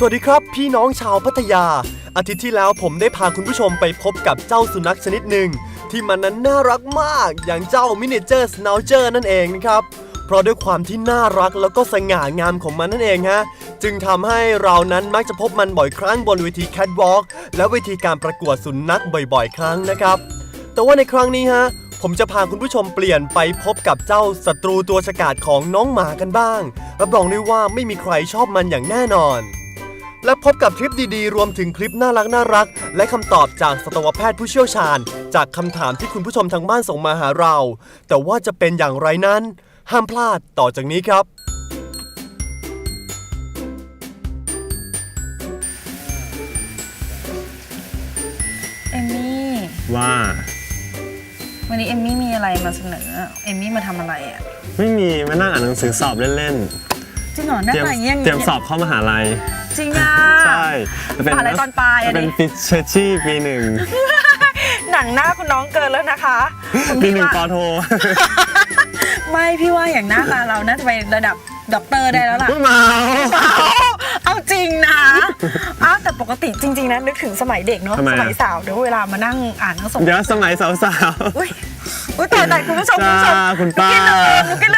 วัสดีครับพี่น้องชาวพัทยาอาทิตย์ที่แล้วผมได้พาคุณผู้ชมไปพบกับเจ้าสุนัขชนิดหนึ่งที่มันนั้นน่ารักมากอย่างเจ้ามินิเจอร์สไนเจอร์นั่นเองนะครับเพราะด้วยความที่น่ารักแล้วก็สง่างามของมันนั่นเองฮะจึงทำให้เรานั้นมักจะพบมันบ่อยครั้งบนเวทีแคทวอล์กและเวทีการประกวดสุนัขบ่อยๆครั้งนะครับแต่ว่าในครั้งนี้ฮะผมจะพาคุณผู้ชมเปลี่ยนไปพบกับเจ้าศัตรูตัวฉกาจของน้องหมากันบ้างรับรองได้ว่าไม่มีใครชอบมันอย่างแน่นอนและพบกับทริปดีๆรวมถึงคลิปน่ารักและคำตอบจากสัตวแพทย์ผู้เชี่ยวชาญจากคำถามที่คุณผู้ชมทางบ้านส่งมาหาเราแต่ว่าจะเป็นอย่างไรนั้นห้ามพลาดต่อจากนี้ครับเอมมี่ว่าวันนี้เอมมี่มีอะไรมาเสนอเอมมี่มาทำอะไรอ่ะไม่มีมานั่งอ่านหนังสือสอบเล่นจริงเหรอหน้าตาอย่างเงี้ยเตรียมสอบเข้ามหาลัยจริงอ่ะใช่มหาลัยตอนปลายเป็นฟิชเชอร์ชี่ปีหนึ่งหนังหน้าคุณน้องเกินแล้วนะคะปีหนึ่งปอโทไม่พี่ว่าอย่างหน้าตาเราน่าจะไประดับด็อกเตอร์ได้แล้วล่ะเมาเอาจริงนะแต่ปกติจริงๆนะนึกถึงสมัยเด็กเนาะสมัยสาวเดี๋ยวเวลามานั่งอ่านหนังสือเดี๋ยวสมัยสาวๆอุ้ยแต่คุณผู้ชมคุณป้านุก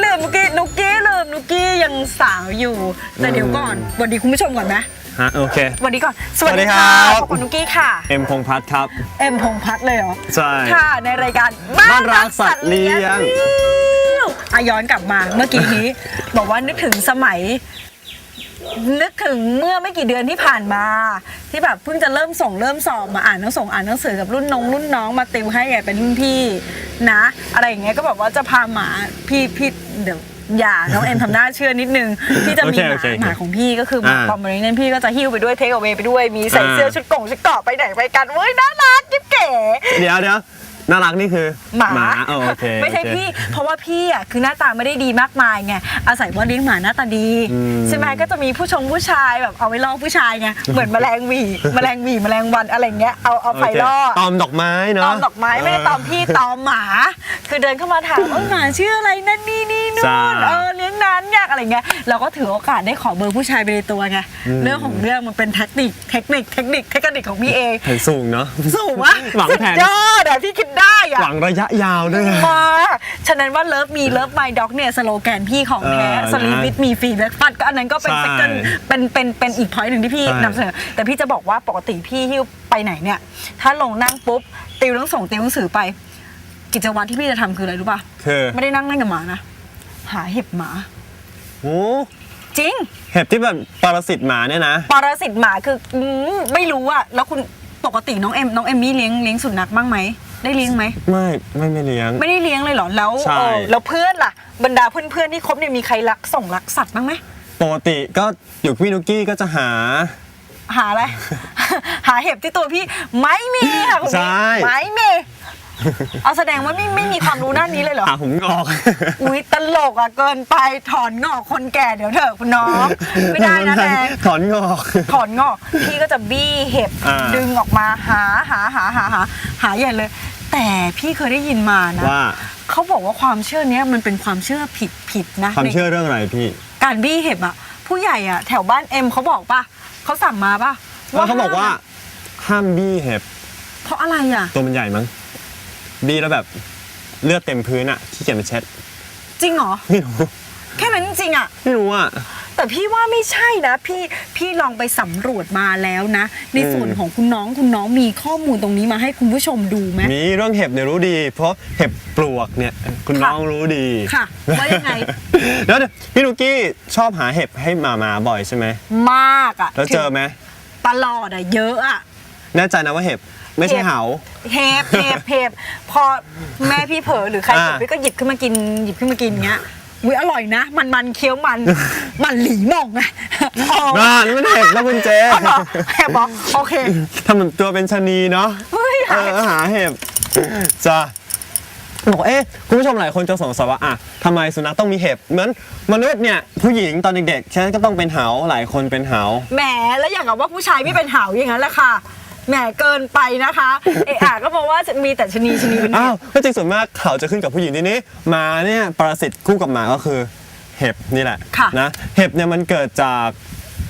กี้ยังสาวอยู่แต่เดี๋ยวก่อนสวัสดีคุณผู้ชมก่อนไหมโอเคสวัสดีก่อนสวัสดีค่ะขอบคุณนุกกี้ค่ะเอ็มพงษ์พัฒน์ครับเอ็มพงษ์พัฒน์เลยเหรอใช่ค่ะในรายการบ้านรักสัตว์เลี้ยงย้อนกลับมาเมื่อกี้นี้บอกว่านึกถึงสมัยนึกถึงเมื่อไม่กี่เดือนที่ผ่านมาที่แบบเพิ่งจะเริ่มสอบมาอ่านหนังสือกับรุ่นน้องมาติวให้ไงเป็นรุ่นพี่นะอะไรอย่างเงี้ยก็แบบว่าจะพาหมาพี่เดี๋ยวอย่าน้องเอ็มทำหน้าเชื่อนิดนึงพี่จะมีหมาของพี่ก็คือหมาปอมเมอเรเนียนพี่ก็จะหิ้วไปด้วยเทคเอาเวย์ไปด้วยมีใส่เสื้อชุดเกาะไปไหนไปกันเว้ยน่ารักกิ๊บเก๋เดี๋ยวน่ารักนี่คือหมาโอเคไม่ใช่พี่เพราะว่าพี่อ่ะคือหน้าตาไม่ได้ดีมากมายไงอาศัยว่าเลี้ยงหมาหน้าตาดีใช่ไหมก็จะมีผู้ชายแบบเอาไว้ล่อผู้ชายไงเหมือนแมลงวันอะไรเงี้ยเอาไฟล่อตอมดอกไม้เนาะตอมดอกไม้ไม่ได้ตอมพี่ตอมหมาคือเดินเข้ามาถามหมาชื่ออะไรนั่นนี่นู่นเลี้ยงนานยากอะไรเงี้ยเราก็ถือโอกาสได้ขอเบอร์ผู้ชายไปในตัวไงเรื่องของเรื่องมันเป็นเทคนิคของพี่เองสูงเนาะสูงวะหวังแผนยอดอะพี่คิดได้อะหวังระยะยาวด้วยมาฉะนั้นว่าเลิฟไมด็อกเนี่ยสโลแกนพี่ของแท้สลีปวิทมีฟรีเบรคฟาสต์ก็อันนั้นก็เป็นเป็นอีกพอยต์หนึ่งที่พี่นำเสนอแต่พี่จะบอกว่าปกติพี่หิ้วไปไหนเนี่ยถ้าลงนั่งปุ๊บติวหนังสือไปกิจวัตรที่พี่จะทำคืออะไรรู้ป่ะคือไม่ได้นั่งเล่นกับหมานะหาเห็บหมาโอ้จริงเห็บที่แบบปรสิตหมาเนี่ยนะปรสิตหมาคือไม่รู้อะแล้วคุณปกติน้องเอมมี่เลี้ยงสุนัขบ้างไหมได้เลี้ยงไหมไม่เลี้ยงไม่ได้เลี้ยงเลยเหรอแล้วเพื่อนล่ะบรรดาเพื่อนที่คบเนี่ยมีใครรักสัตว์บ้างไหมปกติก็อยู่พี่นุกกี้ก็จะหาอะไรหาเห็บที่ตัวพี่ไม่มีค่ะคุณพี่ไม่มีเอาแสดงว่าไม่มีความรู้ด้านนี้เลยเหรอหาผมงอกอุ๊ยตลกอ่ะเกินไปถอนงอกคนแก่เดี๋ยวเถอะคุณน้องไม่ได้นะแม่ถอนงอกพี่ก็จะบี้เห็บดึงออกมาหาใหญ่เลยแต่พี่เคยได้ยินมานะว่าเขาบอกว่าความเชื่อนี้มันเป็นความเชื่อผิดนะความเชื่อเรื่องอะไรพี่การบี้เห็บอ่ะผู้ใหญ่อ่ะแถวบ้านเอ็มเขาบอกป่ะเขาสั่งมาป่ะว่าเขาบอกว่าห้ามบี้เห็บเพราะอะไรอ่ะตัวมันใหญ่มั้งบี้แล้วแบบเลือดเต็มพื้นอ่ะขี้เกียจไปเช็ดจริงเหรอไม่รู้แค่นั้นจริงอ่ะไม่รู้อ่ะแต่พี่ว่าไม่ใช่นะพี่ลองไปสำรวจมาแล้วนะในส่วนของคุณน้องมีข้อมูลตรงนี้มาให้คุณผู้ชมดูไหมมีเรื่องเห็บเนี่ยรู้ดีเพราะเห็บปลวกเนี่ยคุณน้องรู้ดีค่ะว่ายังไงแล้วพี่นุกกี้ชอบหาเห็บให้มาบ่อยใช่ไหมมากอ่ะแล้วเจอไหมตลอดอ่ะเยอะอ่ะแน่ใจนะว่าเห็บไม่ใช่เหาเห็บพอแม่พี่เผลอหรือใครเผลอพี่ก็หยิบขึ้นมากินเงี้ยอุ๊ยอร่อยนะมันเคี้ยวมันหลีมองไงนี่มันเห็บแล้วคุณเจเห็บบอกโอเคทำเหมือนตัวเป็นชะนีเนาะหาเห็บจ้าบอกคุณผู้ชมหลายคนจะสงสัยว่าทำไมสุนัขต้องมีเห็บเหมือนมนุษย์เนี่ยผู้หญิงตอนเด็กๆฉันก็ต้องเป็นเหาหลายคนเป็นเหาแหมแล้วอย่างกับว่าผู้ชายไม่เป็นเหาอย่างนั้นแหละค่ะแหมเกินไปนะคะก็เพราะว่ามีแต่ชะนีเป็นก็จริงส่วนมากเขาจะขึ้นกับผู้หญิงทีนี้มาเนี่ยปรสิตคู่กับหมาก็คือเห็บนี่แหละนะเห็บเนี่ยมันเกิดจาก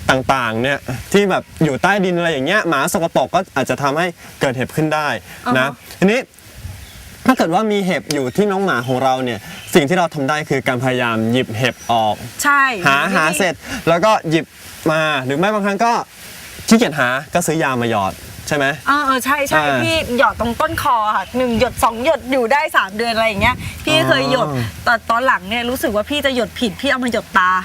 ต่างๆเนี่ยที่แบบอยู่ใต้ดินอะไรอย่างเงี้ยหมาสกปรกก็อาจจะทำให้เกิดเห็บขึ้นได้นะทีนี้ถ้าเกิดว่ามีเห็บอยู่ที่น้องหมาของเราเนี่ยสิ่งที่เราทำได้คือการพยายามหยิบเห็บออกใช่หาเสร็จแล้วก็หยิบมาหรือไม่บางครั้งก็ขี้เกียจหาก็ซื้อยามาหยอดใช่ไหมใช่พี่หยอดตรงต้นคอค่ะ1 หยด 2 หยดอยู่ได้3 เดือนอะไรอย่างเงี้ยพี่เคยหยดแต่ตอนหลังเนี่ยรู้สึกว่าพี่จะหยดผิดพี่เอามาหยดตา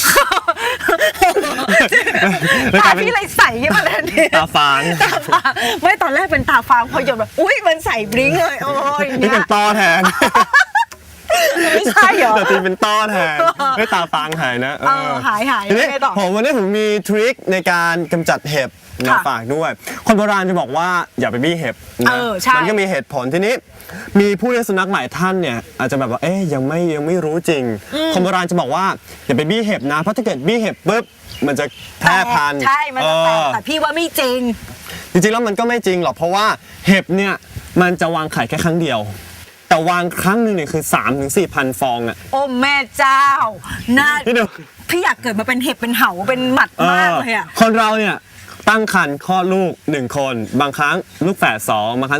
ตาพี่เลยใสขึ้นมาทันทีตาฟางไม่ตอนแรกเป็นตาฟางพอหยดแบบอุ้ยมันใสบลิ้งเลยโอ้ยนี่เป็นต้อแทนไม่ใช่เหรอแต่ตีเป็นต้อแทนไม่ตาฟางหายนะหายทีนี้ไม่ต่อวันนี้ผมมีทริคในการกำจัดเห็บมาฝากด้วยคนโบราณจะบอกว่าอย่าไปบี้เห็บนะมันก็มีเหตุผลทีนี้มีผู้เลี้ยงสุนัขหลายท่านเนี่ยอาจจะแบบว่ายังไม่รู้จริงคนโบราณจะบอกว่าอย่าไปบี้เห็บนะเพราะถ้าเกิดบี้เห็บปุ๊บมันจะแพร่พันธุ์ใช่มันจะแตกแต่พี่ว่าไม่จริงจริงๆแล้วมันก็ไม่จริงหรอกเพราะว่าเห็บเนี่ยมันจะวางไข่แค่ครั้งเดียวแต่วางครั้งหนึ่งเนี่ยคือ 3-4,000 ฟองอ่ะโอ้แม่เจ้าน่าพี่อยากเกิดมาเป็นเห็บเป็นเห่าเป็นหมัดมากเลยอ่ะคนเราเนี่ยตั้งครรภ์คลอดลูก1 คนบางครั้งลูกแฝด2บางครั้ง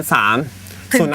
3 ถึง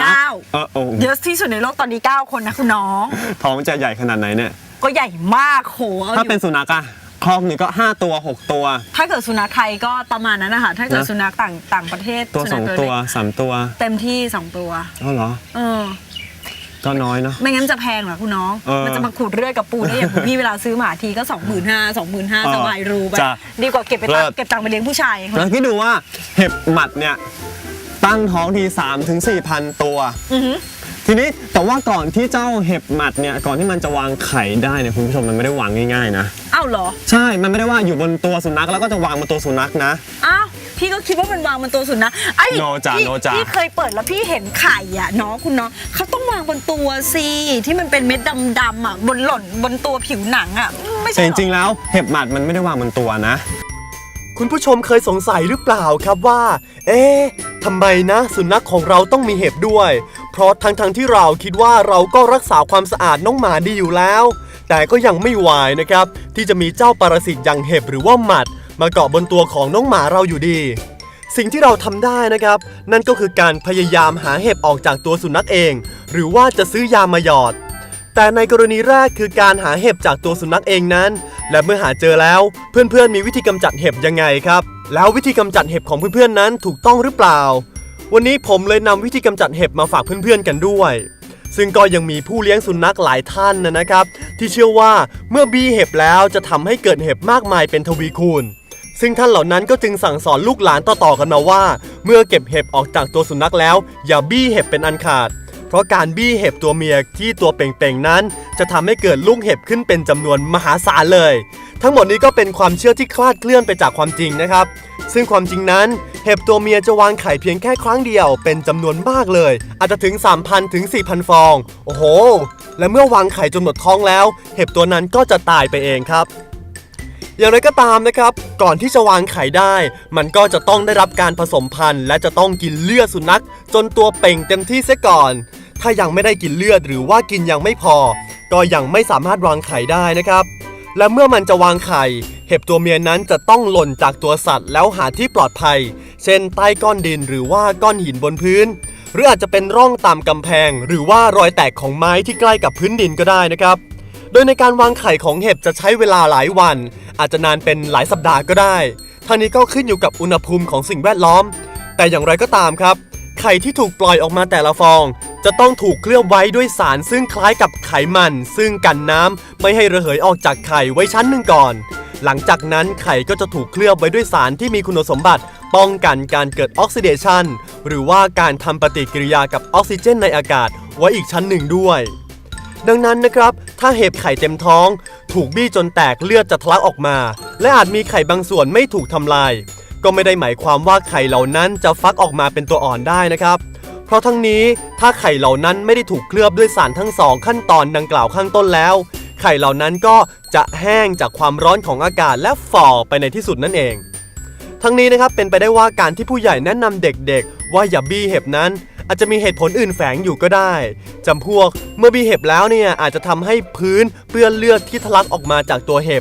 9เยอะที่สุดในโลกตอนนี้9 คนนะคุณน้องท้องจะใหญ่ขนาดไหนเนี่ยก็ใหญ่มากโหถ้าเป็นสุนัขอะคลอกหนึ่งก็5 ตัว6 ตัวถ้าเกิดสุนัขไทยก็ประมาณนั้นนะคะถ้าเกิดสุนัขต่างประเทศตัว2 ตัว3 ตัวเต็มที่2 ตัวเหรอก็น้อยเนาะไม่งั้นจะแพงเหรอคุณน้องมันจะมาขูดเลือดกับปูได้อย่างพี่เวลาซื้อหมาทีก็ 25,000 สบายรู้ไปดีกว่าเก็บตังค์ไปเลี้ยงผู้ชายแล้วคิดดูว่าเห็บหมัดเนี่ยตั้งท้องที 3-4,000 ตัวทีนี้แต่ว่าก่อนที่เจ้าเห็บหมัดเนี่ยก่อนที่มันจะวางไข่ได้เนี่ยคุณผู้ชมมันไม่ได้วางง่ายๆนะอ้าวเหรอใช่มันไม่ได้ว่าอยู่บนตัวสุนัขแล้วก็จะวางบนตัวสุนัขนะอ้าวพี่ก็คิดว่ามันวางบนตัวสุนัขไอ้โนจ่าพี่เคยเปิดแล้วพี่เห็นไข่อ่ะน้องคุณน้องเขาต้องวางบนตัวสิที่มันเป็นเม็ดดำๆอ่ะหล่นบนตัวผิวหนังอ่ะไม่ใช่จริงๆแล้วเห็บหมัดมันไม่ได้วางบนตัวนะคุณผู้ชมเคยสงสัยหรือเปล่าครับว่าทำไมนะสุนัขของเราต้องมีเห็บด้วยเพราะทั้งที่เราคิดว่าเราก็รักษาความสะอาดน้องหมาดีอยู่แล้วแต่ก็ยังไม่วายนะครับที่จะมีเจ้าปรสิตอย่างเห็บหรือว่าหมัดมาเกาะบนตัวของน้องหมาเราอยู่ดีสิ่งที่เราทำได้นะครับนั่นก็คือการพยายามหาเห็บออกจากตัวสุนัขเองหรือว่าจะซื้อยามาหยอดแต่ในกรณีแรกคือการหาเห็บจากตัวสุนัขเองนั้นและเมื่อหาเจอแล้วเพื่อนๆมีวิธีกำจัดเห็บยังไงครับแล้ววิธีกำจัดเห็บของเพื่อนๆนั้นถูกต้องหรือเปล่าวันนี้ผมเลยนำวิธีกำจัดเห็บมาฝากเพื่อนๆกันด้วยซึ่งก็ยังมีผู้เลี้ยงสุนัขหลายท่านนะครับที่เชื่อว่าเมื่อบี้เห็บแล้วจะทำให้เกิดเห็บมากมายเป็นทวีคูณซึ่งท่านเหล่านั้นก็จึงสั่งสอนลูกหลานต่อๆกันมาว่าเมื่อเก็บเห็บออกจากตัวสุนัขแล้วอย่าบี้เห็บเป็นอันขาดเพราะการบี้เห็บตัวเมียที่ตัวเป่งๆนั้นจะทำให้เกิดลูกเห็บขึ้นเป็นจำนวนมหาศาลเลยทั้งหมดนี้ก็เป็นความเชื่อที่คลาดเคลื่อนไปจากความจริงนะครับซึ่งความจริงนั้นเห็บตัวเมียจะวางไข่เพียงแค่ครั้งเดียวเป็นจำนวนมากเลยอาจจะถึง 3,000 ถึง 4,000 ฟองโอ้โหและเมื่อวางไข่จนหมดท้องแล้วเห็บตัวนั้นก็จะตายไปเองครับอย่างไรก็ตามนะครับก่อนที่จะวางไข่ได้มันก็จะต้องได้รับการผสมพันธุ์และจะต้องกินเลือดสุนัขจนตัวเป่งเต็มที่เสียก่อนถ้ายังไม่ได้กินเลือดหรือว่ากินยังไม่พอก็ยังไม่สามารถวางไข่ได้นะครับและเมื่อมันจะวางไข่เห็บตัวเมียนั้นจะต้องหล่นจากตัวสัตว์แล้วหาที่ปลอดภัยเช่นใต้ก้อนดินหรือว่าก้อนหินบนพื้นหรืออาจจะเป็นร่องตามกำแพงหรือว่ารอยแตกของไม้ที่ใกล้กับพื้นดินก็ได้นะครับโดยในการวางไข่ของเห็บจะใช้เวลาหลายวันอาจจะนานเป็นหลายสัปดาห์ก็ได้ทั้งนี้ก็ขึ้นอยู่กับอุณหภูมิของสิ่งแวดล้อมแต่อย่างไรก็ตามครับไข่ที่ถูกปล่อยออกมาแต่ละฟองจะต้องถูกเคลือบไว้ด้วยสารซึ่งคล้ายกับไขมันซึ่งกันน้ำไม่ให้ระเหยออกจากไข่ไว้ชั้นหนึ่งก่อนหลังจากนั้นไข่ก็จะถูกเคลือบไว้ด้วยสารที่มีคุณสมบัติป้องกันการเกิดออกซิเดชันหรือว่าการทำปฏิกิริยากับออกซิเจนในอากาศไว้อีกชั้นหนึ่งด้วยดังนั้นนะครับถ้าเห็บไข่เต็มท้องถูกบี้จนแตกเลือดจะทะลักออกมาและอาจมีไข่บางส่วนไม่ถูกทำลายก็ไม่ได้หมายความว่าไข่เหล่านั้นจะฟักออกมาเป็นตัวอ่อนได้นะครับเพราะทั้งนี้ถ้าไข่เหล่านั้นไม่ได้ถูกเคลือบด้วยสารทั้ง2ขั้นตอนดังกล่าวข้างต้นแล้วไข่เหล่านั้นก็จะแห้งจากความร้อนของอากาศและฝ่อไปในที่สุดนั่นเองทั้งนี้นะครับเป็นไปได้ว่าการที่ผู้ใหญ่แนะนำเด็กๆว่าอย่าบี้เห็บนั้นอาจจะมีเหตุผลอื่นแฝงอยู่ก็ได้จำพวกเมื่อบี้เห็บแล้วเนี่ยอาจจะทำให้พื้นเปื้อนเลือดที่ทะลักออกมาจากตัวเห็บท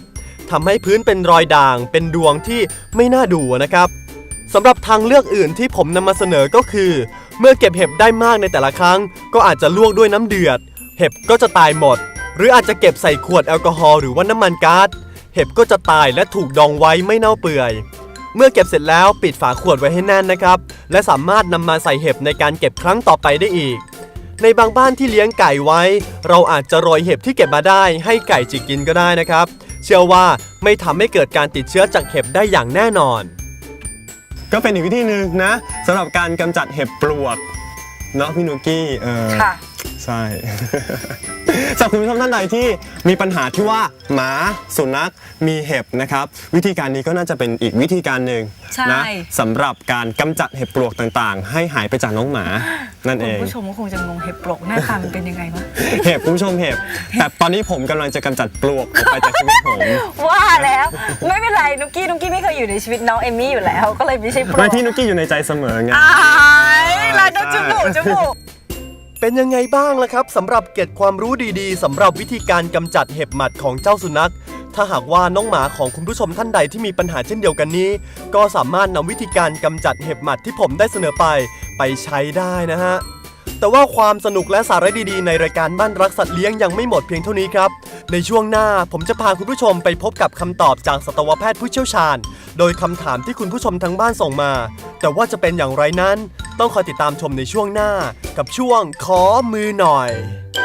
ทำให้พื้นเป็นรอยด่างเป็นดวงที่ไม่น่าดูนะครับสำหรับทางเลือกอื่นที่ผมนำมาเสนอก็คือ เมื่อเก็บเห็บได้มากในแต่ละครั้งก็อาจจะลวกด้วยน้ำเดือดเห็บก็จะตายหมดหรืออาจจะเก็บใส่ขวดแอลกอฮอล์หรือว่าน้ำมันก๊าซเห็บก็จะตายและถูกดองไว้ไม่เน่าเปื่อยเมื่อเก็บเสร็จแล้วปิดฝาขวดไว้ให้แน่นนะครับและสามารถนำมาใส่เห็บในการเก็บครั้งต่อไปได้อีกในบางบ้านที่เลี้ยงไก่ไว้เราอาจจะโรยเห็บที่เก็บมาได้ให้ไก่จิกกินก็ได้นะครับเชื่อว่าไม่ทำให้เกิดการติดเชื้อจากเห็บได้อย่างแน่นอนก็เป็นอีกวิธีหนึ่งนะสำหรับการกำจัดเห็บปลวกเนาะพี่นุกกี้ค่ะใช่ สำหรับคุณผู้ชมท่านใดที่มีปัญหาที่ว่าหมาสุนัขมีเห็บนะครับวิธีการนี้ก็น่าจะเป็นอีกวิธีการหนึ่งนะสำหรับการกำจัดเห็บปลวกต่างๆให้หายไปจากน้องหมานั่นเองคุณผู้ชมก็คงจะงงเห็บปลวกหน้าตามันเป็นยังไงวะเห็บคุณผู้ชมเห็บแต่ตอนนี้ผมกำลังจะกำจัดปลวกออกไปจากชีวิตผมว่าแล้วไม่เป็นไรนุกกี้ไม่เคยอยู่ในชีวิตน้องเอมมี่อยู่แล้วก็เลยไม่ใช่ปลวกไม่พี่นุกกี้อยู่ในใจเสมอไงลายจมูกเป็นยังไงบ้างล่ะครับสำหรับเกร็ดความรู้ดีๆสำหรับวิธีการกำจัดเห็บหมัดของเจ้าสุนัขถ้าหากว่าน้องหมาของคุณผู้ชมท่านใดที่มีปัญหาเช่นเดียวกันนี้ก็สามารถนำวิธีการกำจัดเห็บหมัดที่ผมได้เสนอไปใช้ได้นะฮะแต่ว่าความสนุกและสาระดีๆในรายการบ้านรักสัตว์เลี้ยงยังไม่หมดเพียงเท่านี้ครับในช่วงหน้าผมจะพาคุณผู้ชมไปพบกับคำตอบจากสัตวแพทย์ผู้เชี่ยวชาญโดยคำถามที่คุณผู้ชมทั้งบ้านส่งมาแต่ว่าจะเป็นอย่างไรนั้นต้องคอยติดตามชมในช่วงหน้ากับช่วงขอมือหน่อย